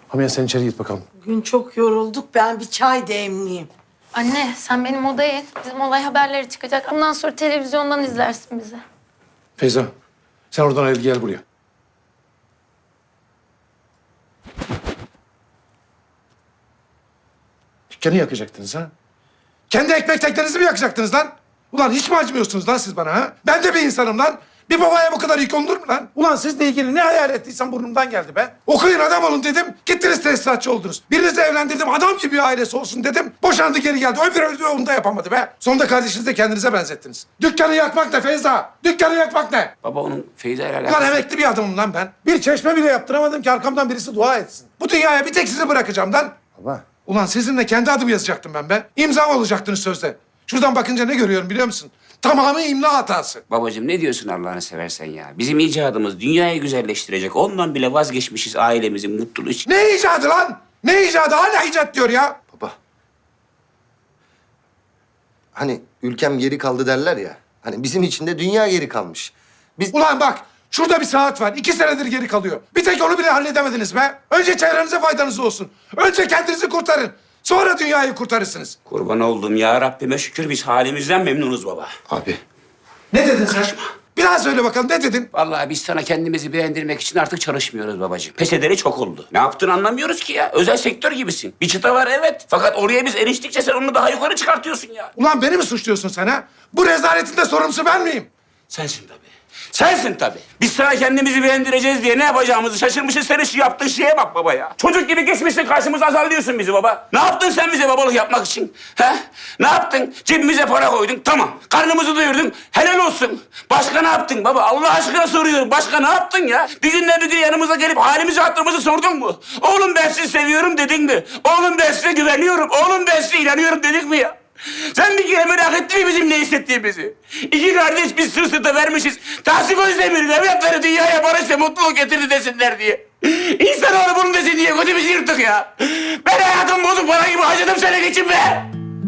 Hamiye sen içeri git bakalım. Bugün çok yorulduk. Ben bir çay demleyeyim. Anne sen benim odaya in. Bizim olay haberleri çıkacak. Ondan sonra televizyondan izlersin bizi. Feyza sen oradan ayrıl gel buraya. Dükkanı yakacaktınız ha? Kendi ekmek teklerinizi mi yakacaktınız lan? Ulan hiç mi acımıyorsunuz lan siz bana ha? Ben de bir insanım lan. Bir babaya bu kadar yük olur mu lan? Ulan sizle ilgili ne hayal ettiysen burnumdan geldi be. Okuyun adam olun dedim. Gittiniz tesisatçı oldunuz. Birinizi evlendirdim adam gibi bir ailesi olsun dedim. Boşandı geri geldi. Öbürü öldü onu da yapamadı be. Sonunda kardeşinizi de kendinize benzettiniz. Dükkanı yakmak ne Feyza? Dükkanı yakmak ne? Baba onun Feyza ile alakası. Ulan emekli bir adamım lan ben. Bir çeşme bile yaptıramadım ki arkamdan birisi dua etsin. Bu dünyaya bir tek sizi bırakacağım lan. Baba. Ulan sizinle kendi adımı yazacaktım ben be. İmza olacaktınız sözde. Şuradan bakınca ne görüyorum biliyor musun? Tamamı imla hatası. Babacığım ne diyorsun Allah'ını seversen ya? Bizim icadımız dünyayı güzelleştirecek. Ondan bile vazgeçmişiz ailemizin mutluluğu için. Ne icadı lan? Ne icadı? Hala icat diyor ya. Baba. Hani ülkem geri kaldı derler ya. Hani bizim için de dünya geri kalmış. Biz... Ulan bak şurada bir saat var. 2 senedir geri kalıyor. Bir tek onu bile halledemediniz be. Önce çevrenize faydanız olsun. Önce kendinizi kurtarın. Sonra dünyayı kurtarırsınız. Kurban olduğum ya Rabbime şükür biz halimizden memnunuz baba. Abi. Ne dedin sen? Bir daha söyle bakalım ne dedin? Vallahi biz sana kendimizi beğendirmek için artık çalışmıyoruz babacığım. Pes ederi çok oldu. Ne yaptığını anlamıyoruz ki ya. Özel sektör gibisin. Bir çıta var evet. Fakat oraya biz eriştikçe sen onu daha yukarı çıkartıyorsun ya. Ulan beni mi suçluyorsun sen ha? Bu rezaletin de sorumlusu ben miyim? Sensin tabii. Sensin tabii. Biz sana kendimizi beğendireceğiz diye ne yapacağımızı şaşırmışız. Senin şu yaptığın şeye bak baba ya. Çocuk gibi geçmişsin karşımıza azarlıyorsun bizi baba. Ne yaptın sen bize babalık yapmak için? He? Ne yaptın? Cebimize para koydun. Tamam. Karnımızı doyurdun. Helal olsun. Başka ne yaptın baba? Allah aşkına soruyorum. Başka ne yaptın ya? Bir günden bir gün yanımıza gelip halimizi hatırımızı sordun mu? Oğlum ben sizi seviyorum dedin mi? Oğlum ben size güveniyorum. Oğlum ben size inanıyorum dedik mi ya? Sen bir kere merak ettin mi bizim ne hissettiğimizi? İki kardeş biz sırt sırta vermişiz. Tahsin Özdemir'in evlatları dünyaya barış ve mutluluk getirdi desinler diye. İnsanoğlu bunu desin diye gözümüzü yırttık ya. Ben hayatım bozuk para gibi harcadım senin için be.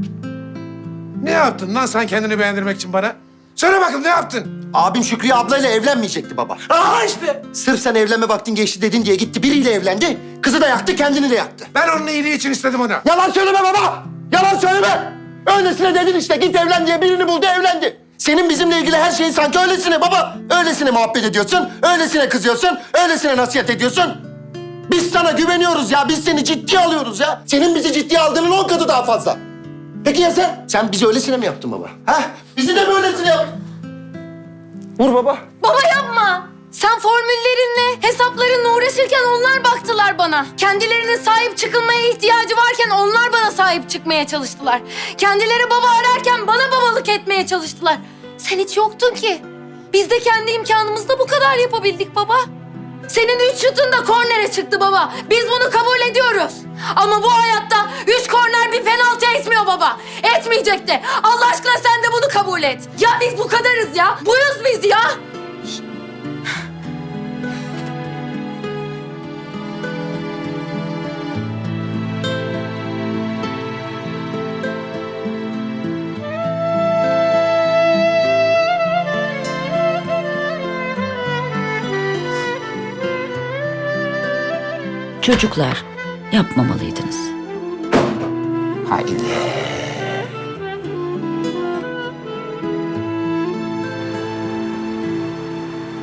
Ne yaptın lan sen kendini beğendirmek için bana? Söyle bakayım ne yaptın? Abim Şükriye ablayla evlenmeyecekti baba. Aha işte. Sırf sen evlenme vaktin geçti dedin diye gitti biriyle evlendi. Kızı da yaktı, kendini de yaktı. Ben onun iyiliği için istedim onu. Yalan söyleme baba! Yalan söyleme! Öylesine dedin işte, git evlen diye birini buldu, evlendi. Senin bizimle ilgili her şeyin sanki öylesine baba. Öylesine muhabbet ediyorsun, öylesine kızıyorsun, öylesine nasihat ediyorsun. Biz sana güveniyoruz ya, biz seni ciddiye alıyoruz ya. Senin bizi ciddiye aldığının 10 katı daha fazla. Peki ya sen? Sen bizi öylesine mi yaptın baba? Ha? Bizi de mi öylesine yaptın? Vur baba. Baba yapma. Sen formüllerinle, hesaplarınla uğraşırken onlar baktılar bana. Kendilerine sahip çıkılmaya ihtiyacı varken onlar bana sahip çıkmaya çalıştılar. Kendileri baba ararken bana babalık etmeye çalıştılar. Sen hiç yoktun ki. Biz de kendi imkanımızla bu kadar yapabildik baba. Senin 3 şutun da kornere çıktı baba. Biz bunu kabul ediyoruz. Ama bu hayatta 3 korner bir penaltı etmiyor baba. Etmeyecek de. Allah aşkına sen de bunu kabul et. Ya biz bu kadarız ya. Buyuz biz ya. Çocuklar, yapmamalıydınız. Haydi.